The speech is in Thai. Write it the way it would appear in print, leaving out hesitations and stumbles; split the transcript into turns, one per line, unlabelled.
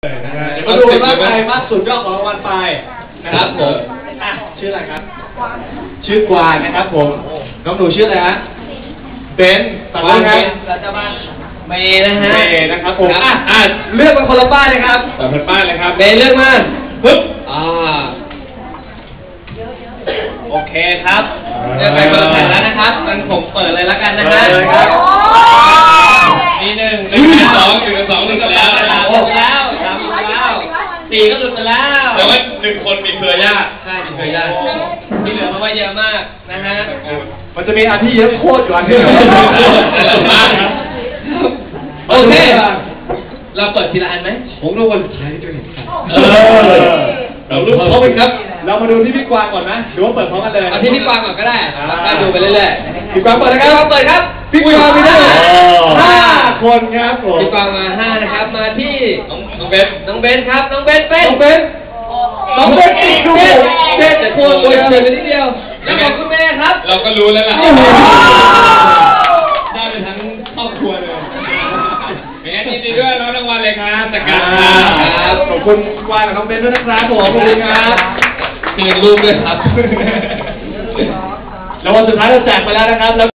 มาดูว่าใครมากสุดยอดของรางวัลไปนะครับผมชื่ออะไรครับชื่อกวางนะครับผมน้องหนูชื่ออะไรฮะเบนต่อไปครับรัชบัณฑิตเมย์นะฮะเมย์นะครับผมเลือกมาคนละป้ายเลยครับคนละป้ายเลยครับเมย์เลือกมาปึ๊บโอเคครับเลือกไปคนละแผ่นแล้วนะครับงั้นผมเปิดเลยแล้วกันนะฮะมี1 1 2 1 2 1แล้ว6แล้ว3แล้ว4ก็หลุดไปแล้วแต่ว่า1คนมีเครือญาติใช่มีเครือญาติที่เหลือมาว่าเยอะมากนะฮะมันจะมีอันที่เยอะโคตรอยู่อันที่โอเคเราเปิดทีละอันไหมผมรางวัลสุดท้ายที่จะเห็นครับเราลุ้นพร้อมกันครับเรามาดูที่พี่กวางก่อนนะหรือว่าเปิดพร้อมกันเลยเอาที่พี่กวางก่อนก็ได้ก็ดูไปเรื่อยๆพี่กวางเปิดนะครับเปิดครับพี่กวางมีได้5 คนครับผมพี่กวางมา5นะครับมาที่น้องเบนครับน้องเบนอีกดูเด็ดแต่ควรตัวเฉยไปนิดเดียวแล้วบอกคุณแม่ครับเราก็รู้แล้วล่ะได้ไปทั้งครอบครัวเลยยินดีด้วยน้องรางวัลเลยครับจากการครับขอบคุณกวางกับน้องเบนด้วยนะครับผมขอบคุณครับเงินรูปด้วยครับแล้ววันสุดท้ายเราแจกไปแล้วนะครับ